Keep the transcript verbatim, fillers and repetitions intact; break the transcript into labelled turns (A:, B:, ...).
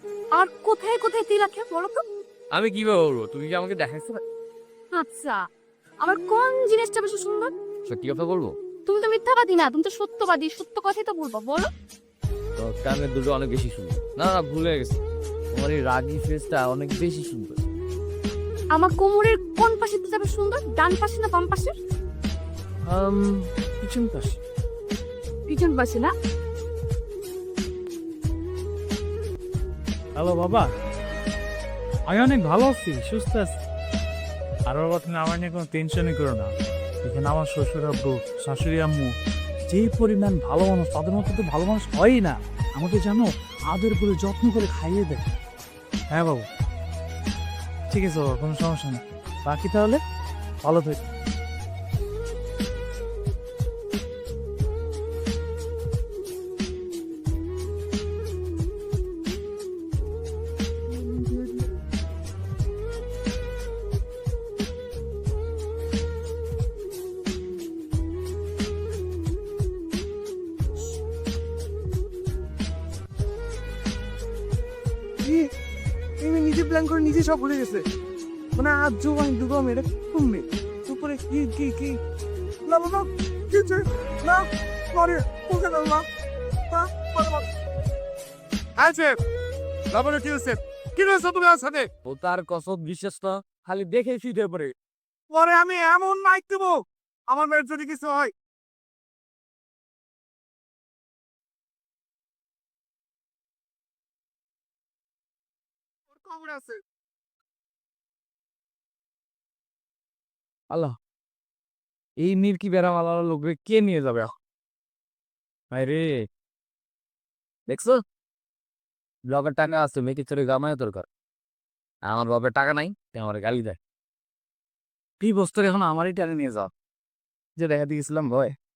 A: আর কোথায় কোথায় তিল আছে বলো তো?
B: আমি কিভাবে বলবো? তুমি কি আমাকে দেখাইছো না?
A: আচ্ছা, আমার কোন জিনিসটা বেশি সুন্দর?
B: সত্যি কথা বলবো?
A: তুমি তো মিথ্যাবাদী না, তুমি তো সত্যবাদী, সত্য কথাই তো বলবো, বলো।
B: তো কানের দুটো অনেক বেশি সুন্দর। না না, ভুলে গেছি। তোমার এই রাগী ফেসটা অনেক বেশি সুন্দর।
A: আমার কোমরের কোন পাশে যাবে সুন্দর, ডান পাশে না বাম পাশে?
B: আম পিছন পাশে।
A: পিছন পাশে না?
C: হ্যালো বাবা, আমি অনেক ভালো আছি, সুস্থ আছি। আর বাবা, তুমি আমার নিয়ে কোনো টেনশনই করো না। এখানে আমার শ্বশুর আব্বু, শাশুড়ি আম্মু যেই পরিমাণ ভালো মানুষ, তাদের মতো তো ভালো মানুষ হয়ই না। আমাকে জানো, আদর করে যত্ন করে খাইয়ে দেয়। হ্যাঁ বাবু, ঠিক আছে বাবা, কোনো সমস্যা নেই। বাকি তাহলে ভালো থাকি।
D: তুমি নিজে প্ল্যান করে নিজে সব ভুলে গেছে। মানে আজ জোগান দুগম এটা তুমি উপরে কি কি কি না বাবা কিছু না করে ওকে না না না বাবা আছে বাবা কি হচ্ছে কি হচ্ছে তোমার সাথে?
B: ও তার কসম বিশ্বাস না, খালি দেখে ফিরে পড়ে।
D: পরে আমি এমন মাইক দেবো আমার মেয়ের যদি কিছু হয়। ওর খবর আছে।
B: আল্লাহ, এই নির্কি বেড়ামালা লোকরে কে নিয়ে যাবে এখন? ভাই রে, দেখছো? ব্লগের টাকা আছে, মেয়েকে চলে গামায় দরকার। আমার বাপের টাকা নাই, তাই আমার গালি দেয়। কি বস্তু এখন আমারই টানে নিয়ে যাও, যে দেখা দিয়েছিলাম ভয়।